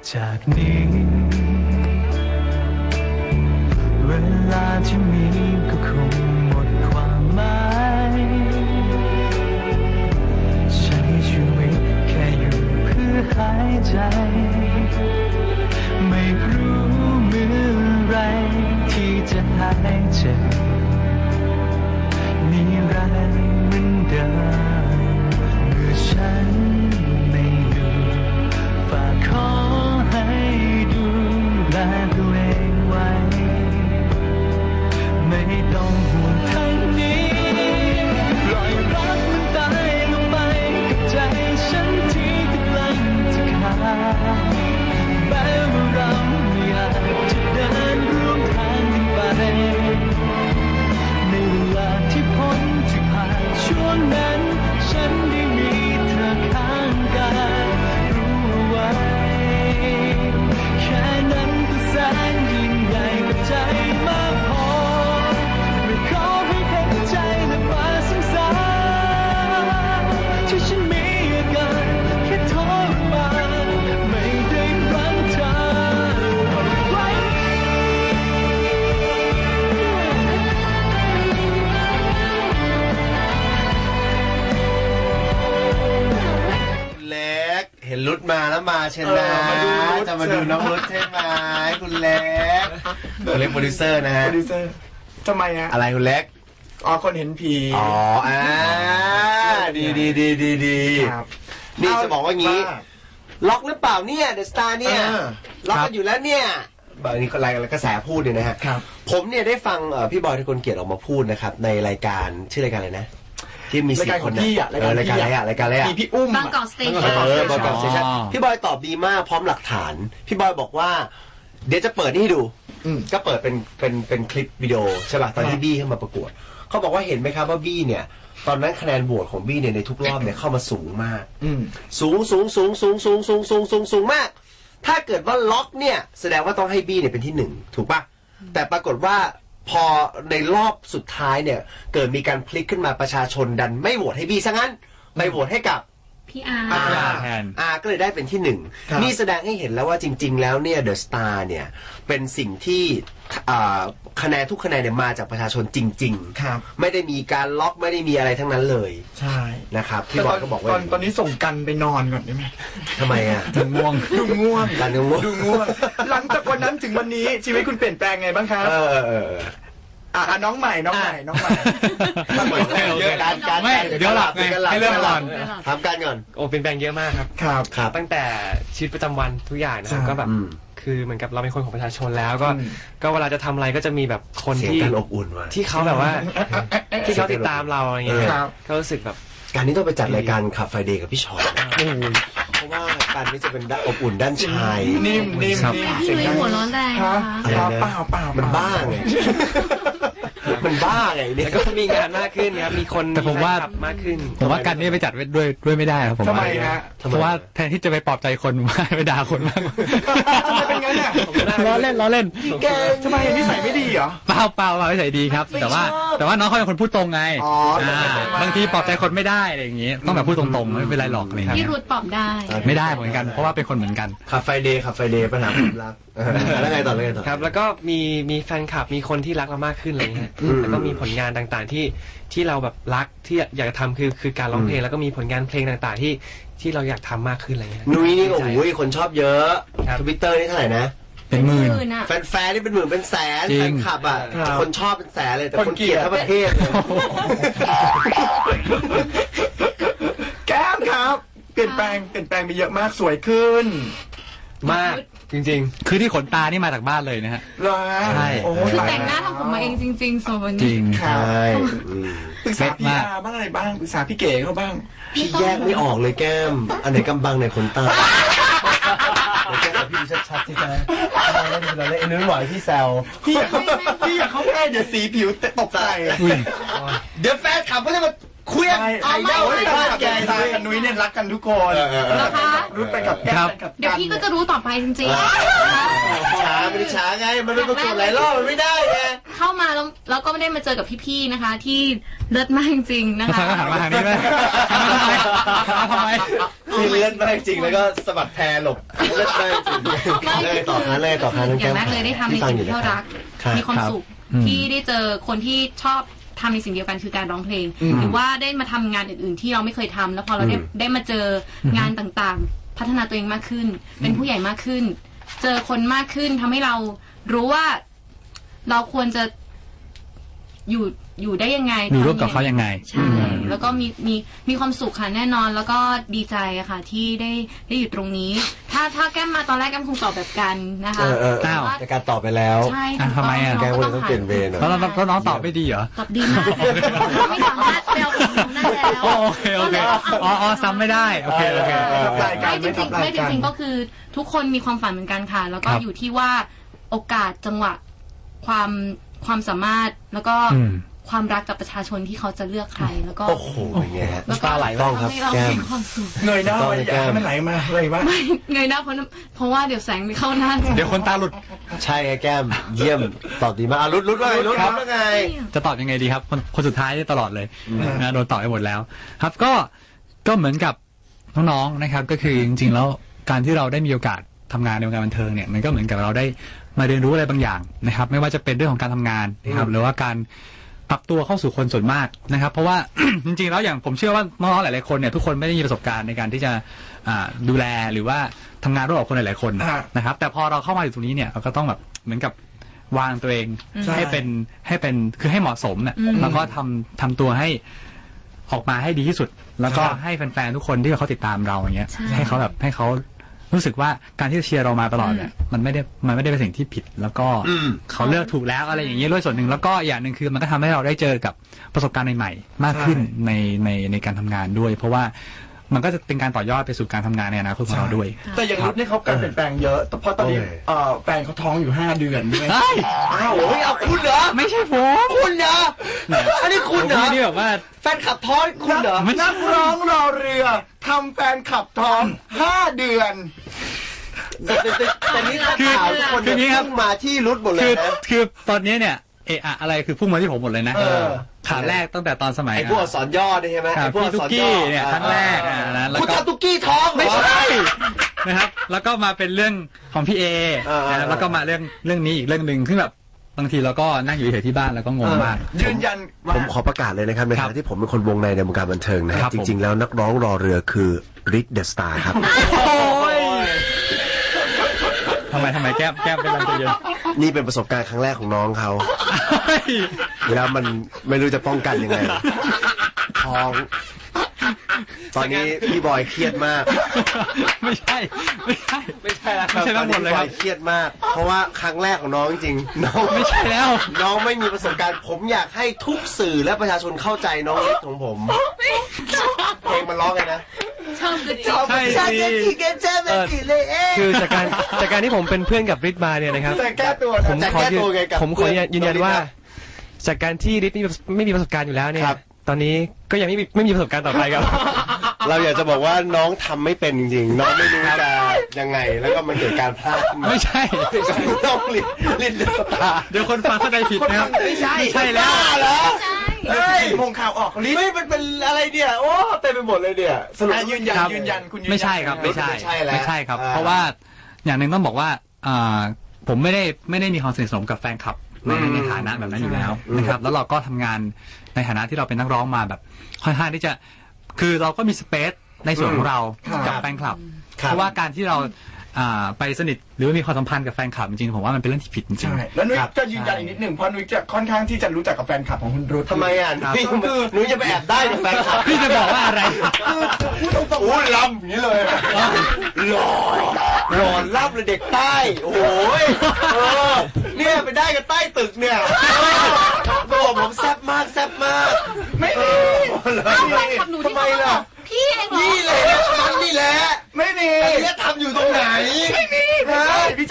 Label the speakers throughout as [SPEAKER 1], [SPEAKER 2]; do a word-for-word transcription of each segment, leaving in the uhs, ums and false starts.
[SPEAKER 1] จากนี้เวลาที่มีก็คงหมดความหมายใช้ชีวิตแค่อยู่เพื่อหายใจไม่รู้เมื่อไรที่จะหายเจ็บนิรันดร์เหมือนเดิมเมื่อฉันไม่อยู่ฝากขอให้ดูแลตัวเองไว้ไม่ต้องห่วงทั้งนี้ปล่อยรักมันตายลงไปกับใจฉันที่กำลังจะขาดแม้ว่าเราไม่อยากจะเดินร่วมทางกันไปในเวลาที่พ้นที่ผ่านช่วงนั้นฉันได้มีเธอข้างกายรู้ไว้แค่นั้นก็แสนยิ่งใหญ่กับใจมากพอไม่ขอให้เห็นใจและมาสงสารที่ฉันมีอาการแค่ทรมานไม่ได้รักเธอเอาไว้
[SPEAKER 2] เล็กเห็นรุดมาแล้วมาเช่นนะจะมาดูน้องรุดใช่ไหมคุณเล็กคุณเล็กโปรดิวเซอร์นะฮะ
[SPEAKER 3] โปรดิวเซอร์ทำไมฮะ
[SPEAKER 2] อะไรคุณเล็ก
[SPEAKER 3] อ๋อคนเห็นผี
[SPEAKER 2] อ๋ออ่าดีดีดีดีดีนี่จะบอกว่างี้ล็อกหรือเปล่าเนี่ยเดอะสตาร์เนี่ยล็อกกันอยู่แล้วเนี่ยแบบนี้อะไรกระแสพูดเนี่ยนะฮะผมเนี่ยได้ฟังพี่บอยทกลเกียรติออกมาพูดนะครับในรายการชื่อรายการอะไรนะที่มีสี่คน
[SPEAKER 3] พี่อะ
[SPEAKER 2] รายการอะไรอะรายการอะไรอะ
[SPEAKER 3] มีพี่อุ้ม
[SPEAKER 4] บางกอกสเตชัน
[SPEAKER 2] เออบางกอกสเตชันพี่บอยตอบดีมากพร้อมหลักฐานพี่บอยบอกว่าเดี๋ยวจะเปิดนี่ให้ดูก็เปิดเป็นเป็นเป็นคลิปวิดีโอใช่ป่ะตอนที่บี้เข้ามาประกวดเขาบอกว่าเห็นไหมครับว่าบี้เนี่ยตอนนั้นคะแนนโหวตของบี้เนี่ยในทุกรอบเนี่ยเข้ามาสูงมากสูงสูงสูงสูงสูงสูงสูงสูงสูงมากถ้าเกิดว่าล็อกเนี่ยแสดงว่าต้องให้บี้เนี่ยเป็นที่หนึ่งถูกป่ะแต่ปรากฏว่าพอในรอบสุดท้ายเนี่ยเกิดมีการพลิกขึ้นมาประชาชนดันไม่โหวตให้บี้ซะงั้นไปโหวตให้กับ
[SPEAKER 4] พี่อาร์
[SPEAKER 2] แทนอาร์ก็เลยได้เป็นที่หนึ่งนี่แสดงให้เห็นแล้วว่าจริงๆแล้วเนี่ยเดอะสตาร์เนี่ยเป็นสิ่งที่คะแนนทุกคะแนนเนี่ยมาจากประชาชนจริงๆไม่ได้มีการล็อกไม่ได้มีอะไรทั้งนั้นเลย
[SPEAKER 3] ใช่
[SPEAKER 2] นะครับพี่บอยก็บอกว่า
[SPEAKER 3] ตอนตอนนี้ส่งกันไปนอนก่อนได้ไหม
[SPEAKER 2] ทำไมอ่ะ
[SPEAKER 3] ดูง่วงดูง่วง
[SPEAKER 2] กันดูง่วง
[SPEAKER 3] ดูง่วงหลังจากวันนั้นถึงวันนี้ชีวิตคุณเปลี่ยนแปลงไงบ้างครับ
[SPEAKER 2] เออเออ
[SPEAKER 3] อ่ะน้องใหม่น้องใหม่น้องใหม่
[SPEAKER 2] เยอะการการ
[SPEAKER 5] ไม่เดี๋ยวหลับไงให้เรื่องก่อน
[SPEAKER 2] ทำการก่อน
[SPEAKER 5] โอ้เป็นแปลงเยอะมากครับ
[SPEAKER 3] ครับ
[SPEAKER 2] ครับ
[SPEAKER 5] ตั้งแต่ชีวิตประจำวันทุกอย่างนะครับก็แบบคือเหมือนกับเราเป็นคนของประชาชนแล้วก็ก็เวลาจะทำอะไรก็จะมีแบบคนที่
[SPEAKER 2] อบอุ่นว่ะ
[SPEAKER 5] ที่เขาแบบว่าที่เขาติดตามเราอะไรเงี้ยก็รู้สึกแบบ
[SPEAKER 2] การนี้ต้องไปจัดรายการขับไฟเดย์กับพี่ชอนเพราะว่าการนี้จะเป็นอบอุ่นด้านชาย
[SPEAKER 3] นิ่มนิ่ม
[SPEAKER 4] พี่นุ้ยหัวร้อนแรง
[SPEAKER 2] อะไรนะ
[SPEAKER 3] เปล่าเปล่า
[SPEAKER 2] มันบ้าไงมันบ้าไงเนี่ย
[SPEAKER 5] ก็มีงานมากขึ้นครับมีคน
[SPEAKER 6] แต่ผมว่าม
[SPEAKER 5] ากขึ้น
[SPEAKER 6] ผมว่าการนี้ไปจัดด้วยด้วยไม่ได้ครับผม
[SPEAKER 3] ทำไมฮะ
[SPEAKER 6] เพราะว่าแทนที่จะไปปลอบใจคนไปด่าคนมาก
[SPEAKER 3] ทำไมเป็นงั้นเนี่ย
[SPEAKER 6] ล้อเล่นล้อเล่น
[SPEAKER 3] ทำไมนิสัยไม่ดีเหรอ
[SPEAKER 6] เปล่าเปล่านิสัยดีครับแต่ว่าแต่ว่าน้องเขาเป็นคนพูดตรงไงบางทีปลอบใจคนไม่ได้อะไรอย่างงี้ต้องแบบพูดตรงๆไม่เป็นไรหรอกอะไรครับ
[SPEAKER 4] พี่รุดปลอบได้
[SPEAKER 6] ไม่ได้เหมือนกันเพราะว่าเป็นคนเหมือนกัน
[SPEAKER 2] ขับไฟเดย์ขับไฟเดย์ปัญหาความรักแล้วไงต่อแล้วไงต่อ
[SPEAKER 5] ครับแล้วก็มีมีแฟนคลับมีคนที่รักเรามากขึ้นอะไรเงี้ยแล้วก็มีผลงานต่างๆที่ที่เราแบบรักที่อยากจะทำคือคือการร้องเพลงแล้วก็มีผลงานเพลงต่างๆที่ที่เราอยากทำมากขึ้นอะไรเงี้ย
[SPEAKER 2] นุ้ยนี่โอ้โหคนชอบเยอะทวิตเตอร์นี่เท่าไหร่นะ
[SPEAKER 6] เป็นหมื่น
[SPEAKER 2] แฟนๆนี่เป็นหมื่นเป็นแสนแฟนคลับอ่ะคนชอบเป็นแสนเลยแต่คนเกลียดทั้งประเทศเลย
[SPEAKER 3] แก้มครับเปลี่ยนแปลงเปลี่ยนแปลงไปเยอะมากสวยขึ้น
[SPEAKER 5] มากจริง
[SPEAKER 6] ๆคือที่ขนตานี่มาจากบ้านเลยนะฮะ
[SPEAKER 3] ใช่
[SPEAKER 4] คือแต่งหน้าทำผมมาเองจริงๆโซนนี้
[SPEAKER 6] จริง
[SPEAKER 2] ใช่
[SPEAKER 3] ปรึกษาพี่อาบ้างอะไรบ้างปรึกษาพี่เก๋เขาบ้าง
[SPEAKER 2] พี่แยกไม่ออกเลยแก้มอันไหนกำบังไหนขนตาแก้มกับพี่ชัดๆใช่ไหมเราเล่นเราเล่นไอ้นื้อหวานพี่แซว
[SPEAKER 3] พี่อยากเขาพี่อยากเขาแค่เดี๋ยวสีผิวตกใจ
[SPEAKER 2] เดี๋ยวแฟนขับก็จะมาคุยไอ้เจ้าไอ้บ้านแก
[SPEAKER 3] ตากับนุ้ยเนี่ยรักกันทุกคน
[SPEAKER 4] นะคะ
[SPEAKER 3] รู้ไปกับแก้ม
[SPEAKER 4] เดี๋ยวพี่ก็จะรู้ต่อไปจริงๆ
[SPEAKER 2] ช้างมันอิจฉาไงมันเป็นประกวดหลายรอบมันไม่ได้ไง
[SPEAKER 4] เข้ามาแล้วเราก็ไม่ได้มาเจอกับพี่ๆนะคะที่เลิศมากจริงๆนะคะ
[SPEAKER 6] ก็หันมาทางนี้ไหมทำไม
[SPEAKER 2] ที่เลิศมากจริงแล้วก็สะบัดแพรหลบเลิศมากจริงเลยต่อคันเลยต่อคัน
[SPEAKER 4] อย่างแรกเลยได้ทำในสิ่งที่เรารักมีความสุขที่ได้เจอคนที่ชอบทำในสิ่งเดียวกันคือการร้องเพลงหรือว่าได้มาทำงานอื่นๆที่เราไม่เคยทำแล้วพอเราได้ได้มาเจองานต่างๆพัฒนาตัวเองมากขึ้นเป็นผู้ใหญ่มากขึ้นเจอคนมากขึ้นทำให้เรารู้ว่าเราควรจะอยู่อยู่ได้ยังไง
[SPEAKER 6] อยู่ร่วมกับเขายังไง
[SPEAKER 4] ใช่แล้วก็มีมีมีความสุขค่ะแน่นอนแล้วก็ดีใจอะค่ะที่ได้ได้อยู่ตรงนี้ถ้าถ้าแก้มมาตอนแรกแก้มคงตอบแบบกันนะคะ
[SPEAKER 2] แต่การตอบไปแล้ว
[SPEAKER 4] ใช่
[SPEAKER 6] ทำไมอะ
[SPEAKER 2] แก้มต้องเปลี่ยนเวร
[SPEAKER 6] แล้วแล้วน้องตอบไม่ดีเหรอ
[SPEAKER 4] ตอบดีมากไม่สามารถเปลวของน้องได้แล้ว
[SPEAKER 6] โอเคโอเคอ๋ออ๋อซ้ำไม่ได้โอเคโอเค
[SPEAKER 4] ไม่จริงๆไม่จริงๆก็คือทุกคนมีความฝันเหมือนกันค่ะแล้วก็อยู่ที่ว่าโอกาสจังหวะความความสามารถแล้วก็ความรักกับประชาชนที่เขาจะเลือกใครแล้วก็
[SPEAKER 2] โอ้โหเป็นไงฮะ
[SPEAKER 6] ตาไหล
[SPEAKER 2] ต้องครับแก้ม
[SPEAKER 3] เงยหน้าไปแก้มมันไหลมาเลยว่า
[SPEAKER 4] ไม่เงยหน้าเพราะเพราะว่าเดี๋ยวแสงไม่เข้าหน้า
[SPEAKER 6] เดี๋ยวคนตาหลุด
[SPEAKER 2] ใช่ไงแก้มเยี่ยมตอบดีมากรุดรุดว่าไงรุดครับว่าไง
[SPEAKER 6] จะตอบยังไงดีครับคนคนสุดท้ายตลอดเลยนะโดนตอบไปหมดแล้วครับก็ก็เหมือนกับน้องๆนะครับก็คือจริงๆแล้วการที่เราได้มีโอกาสทำงานในวงการบันเทิงเนี่ยมันก็เหมือนกับเราได้มาเรียนรู้อะไรบางอย่างนะครับไม่ว่าจะเป็นเรื่องของการทำงานนะครับหรือว่าการปรับตัวเข้าสู่คนส่วนมากนะครับเพราะว่า จริงๆแล้วอย่างผมเชื่อว่าน้องๆหลายๆคนเนี่ยทุกคนไม่ได้มีประสบการณ์ในการที่จะดูแลหรือว่าทำงานร่วมกับคนหลายๆคนนะครับแต่พอเราเข้ามาอยู่ตรงนี้เนี่ยเราก็ต้องแบบเหมือนกับวางตัวเองให้เป็นให้เป็นคือให้เหมาะสมเนี่ยแล้วก็ทำทำตัวให้ออกมาให้ดีที่สุดแล้วก็ให้แฟนๆทุกคนที่เขาติดตามเราอย่างเงี้ยให้เขาแบบให้เขารู้สึกว่าการที่เชียร์เรามาตลอดเนี่ยมันไม่ได้มันไม่ได้เป็นสิ่งที่ผิดแล้วก็เขาเลือกถูกแล้วอะไรอย่างเงี้ยด้วยส่วนหนึ่งแล้วก็อย่างหนึ่งคือมันก็ทำให้เราได้เจอกับประสบการณ์ใหม่ๆมากขึ้นในในในการทำงานด้วยเพราะว่ามันก็จะเป็นการต่อยอดไปสู่การทำงานในอนาคตของเราด้วย
[SPEAKER 3] แต่อย่างรุ่นนี่เขาการเปลี่ยนแปลงเยอะเพราะตอนนี้แฟนเขาท้องอยู่ห้าเดือนด้วย
[SPEAKER 2] อ้าวโอ้ยเอาคุณเหรอ
[SPEAKER 6] ไม่ใช่ผม
[SPEAKER 2] คุณเหรออันนี้คุณเหรอ
[SPEAKER 6] นี่แบบว่า
[SPEAKER 2] แฟนขับท้องคุณเหรอ
[SPEAKER 3] นักร้องรอเรือทำแฟนขับท้องห้าเดือน
[SPEAKER 2] แต่นี่คือคนนี้ครับมาที่รุดหมดเลยนะ
[SPEAKER 6] คือตอนนี้เนี่ยเอะอะไรคือพุ่งมาที่ผมหมดเลยนะขาแรกตั้งแต่ตอนสมัย
[SPEAKER 2] ไอ้พวกสอนย่อใช่ไหมไอ้พวก
[SPEAKER 6] สอนย่อเนี่ยครั้งแรกนะ
[SPEAKER 2] แล้วก็คุณทำตุ๊กกี้ท้อง
[SPEAKER 6] ไม่ใช่นะครับแล้วก็มาเป็นเรื่องของพี่เอแล้วก็มาเรื่องเรื่องนี้อีกเรื่องหนึ่งซึ่งแบบบางทีเราก็นั่งอยู่เฉยที่บ้านแล้วก็งงมาก
[SPEAKER 3] ยืนยัน
[SPEAKER 2] ผมขอประกาศเลยนะครับในฐานะที่ผมเป็นคนวงในในวงการบันเทิงนะครับจริงๆแล้วนักร้องรอเรือคือริชเดอะสตาร์ครับ
[SPEAKER 6] ทำไมทำไมแก้มแก้มเป็นอะไรเยอะ
[SPEAKER 2] นี่เป็นประสบการณ์ครั้งแรกของน้องเขาแล้วมันไม่รู้จะป้องกันยังไงท้องตอนนี้พี่บอยเครียดมาก
[SPEAKER 6] ไม่ใช่ไม่ใช่
[SPEAKER 2] ไม่ใช่แล้วไม่ใช่ทั้งหมดเลยครับเครียดมากเพราะว่าครั้งแรกของน้องจริงน้อง
[SPEAKER 6] ไม่ใช่แล้ว
[SPEAKER 2] น้องไม่มีประสบการณ์ผมอยากให้ทุกสื่อและประชาชนเข้าใจน้องเล็กของผมเพลงมันร้องไงนะ
[SPEAKER 4] ชอบกระ
[SPEAKER 2] จอกชอบกระจิกกระเจ้าแบบกี่เลยเอง
[SPEAKER 5] คือจากการจากการที่ผมเป็นเพื่อนกับริทมาเนี่ยนะครับ
[SPEAKER 2] จะแก้ตัว
[SPEAKER 5] ผมขอผมขอยืนยันว่าจากการที่ริทไม่มีประสบการณ์อยู่แล้วเนี่ยตอนนี้ก็ยังไม่มีไม่มีประสบการณ์ต่อไปครับ
[SPEAKER 2] เราอยากจะบอกว่าน้องทำไม่เป็นจริงๆน้องไม่รู้จะยังไงแล้วก็มันเกิดการพลาด
[SPEAKER 6] ไม่ใช่
[SPEAKER 2] น้องลินลินเดอะสตาร์
[SPEAKER 6] เดี๋ยวคนฟังเข้าใจผิดนะครับ
[SPEAKER 2] ไม่ใช่
[SPEAKER 6] ไม่ใช่แล้ว
[SPEAKER 2] เหรอ
[SPEAKER 3] เฮ้ยมงข่าวออกลิน
[SPEAKER 2] ไม่มันเป็นอะไรเนี่ยโอ้เต็มไปหมดเลยเนี่ย
[SPEAKER 3] สรุปยืนยันยืนยันคุณ
[SPEAKER 6] ไม่ใช่ครับไม่ใช่ไม่ใช่ครับเพราะว่าอย่างหนึ่งต้องบอกว่าผมไม่ได้ไม่ได้มีความสนิทสนมกับแฟนคลับในในฐานะแบบนั้นอยู่แล้วนะครับแล้วเราก็ทำงานในฐานะที่เราเป็นนักร้องมาแบบค่อนข้างที่จะคือเราก็มีสเปซในส่วนของเรากับแฟนคลับเพราะว่าการที่เราไปสนิทหรือมีความสัมพันธ์กับแฟนคลับจริงๆผมว่ามันเป็นเรื่องที่ผิดจริง
[SPEAKER 3] ใช่แล้วนุ้ยจะยืนยันอีกนิดหนึ่งเพราะนุ้ยจะค่อนข้างที่จะรู้จักกับแฟนคลับของคุณรุ้
[SPEAKER 2] ทำไมอ่ะพี่คือนุ้ยจะไปแอบได้กับแฟนคลับ
[SPEAKER 6] พี่จะบอกว่าอะไร
[SPEAKER 2] พูดตรงๆอู้ล้ำอย่างนี้เลยหล่อหล่อล้ำเลยเด็กใต้โอ้ยเนี่ยไปได้กันใต้ตึกเนี่ยตัวผมแซ่บมากแซ่บมาก
[SPEAKER 3] ไม่มี
[SPEAKER 2] ทำไมล่ะ
[SPEAKER 4] พี่เองเหรอ
[SPEAKER 2] นี่เลยมันนี่แหละ
[SPEAKER 3] ไม่มี
[SPEAKER 2] เนี่ยทำอยู่ตรงไหน
[SPEAKER 3] ไม่มีพี่จะบ้าเหรอ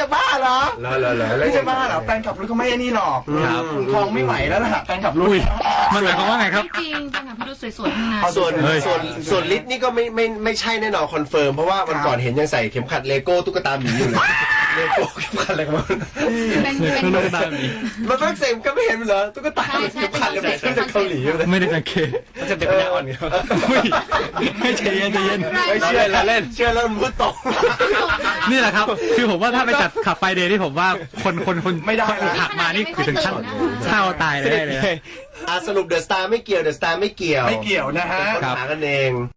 [SPEAKER 3] เหรอ
[SPEAKER 2] เหรอเหรอเหรอ
[SPEAKER 3] ไม่ใช่บ้าเหรอแฟนขับรุ่นเขาไม่ไอ้นี่หรอก
[SPEAKER 6] ครับ
[SPEAKER 3] คลองไม่ไหวแล้วล่ะแฟนขับรุ่น
[SPEAKER 6] มันหมายความว่าไงครับ
[SPEAKER 4] จริงๆแฟนคลับพี่รุ่นสวยๆทั้งนั้น
[SPEAKER 2] ส่วน
[SPEAKER 6] เฮ้ย
[SPEAKER 2] ส่วนส่วนลิศนี่ก็ไม่ไม่ไม่ใช่แน่นอนคอนเฟิร์มเพราะว่าวันก่อนเห็นยังใส่เข็มขัดเลโก้ตุ๊กตาหมีอยู่เลยเลโก้เข็มขัดอะไรกันมัน
[SPEAKER 4] เป็นเป็น
[SPEAKER 6] ตุ๊กตาหมี
[SPEAKER 2] มันฝรั่งเศสก็ไม่เห็นเหรอตุ๊กตาเข็มขัดเลยมันจากเกาหลีเลย
[SPEAKER 6] ไม่ได้สังเกต
[SPEAKER 5] มันจะเป็นปัญญาอ่อนครับ
[SPEAKER 6] อุ้ยไม่ใจเย็นใจเย็น
[SPEAKER 2] ไม่เชื่อแล้วเล่นเชื่อแล้วมันพูดตก
[SPEAKER 6] นี่แหละครับ คือผมว่าถ้าไปจัดขับไฟเดย์ที่ผมว่าคนคนคน
[SPEAKER 3] ไม่ได้
[SPEAKER 6] คนขับมานี่คือถึงขั้นเศร้าตายเลยได้เลย
[SPEAKER 2] อ่ะสรุปเดอะสตาร์ไม่เกี่ยวเดอะสตาร์ไม่เกี่ยว
[SPEAKER 3] ไม่เกี่ยวนะฮะ
[SPEAKER 2] หากันเอง